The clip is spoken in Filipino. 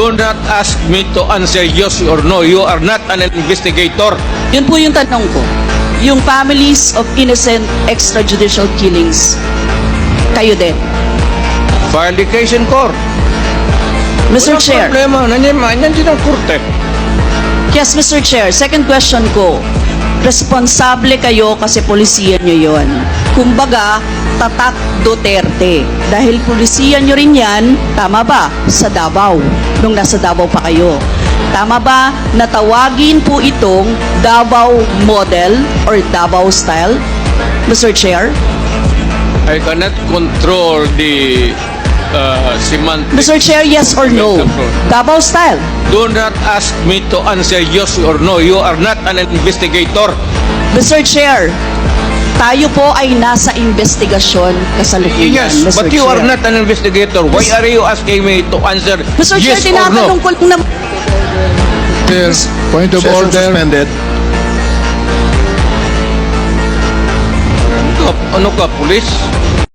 Do not ask me to answer yes or no. You are not an investigator. Yun po yung tanong ko. Yung families of innocent extrajudicial killings, kayo din. File the case in court. Mr. Walang Chair. problema. Nandiyan ang korte. Yes, Mr. Chair. Second question ko. Responsable kayo kasi polisiya nyo yon. Kumbaga, tatak Duterte. Dahil polisiya nyo rin yan, tama ba? Sa Davao. Nung nasa Davao pa kayo. Tama ba na tawagin po itong Davao model or Davao style? Mr. Chair? I cannot control the semantics. Mr. Chair, yes or no? Davao style. Do not ask me to answer yes or no. You are not an investigator. Mr. Chair, tayo po ay nasa investigasyon kasalukuyan, Yes, Mr. but you Chair. are not an investigator. Why are you asking me to answer Mr. Chair, yes or no? tinatanong ko lang na... Point of Session order. suspended. Ano ka, pulis?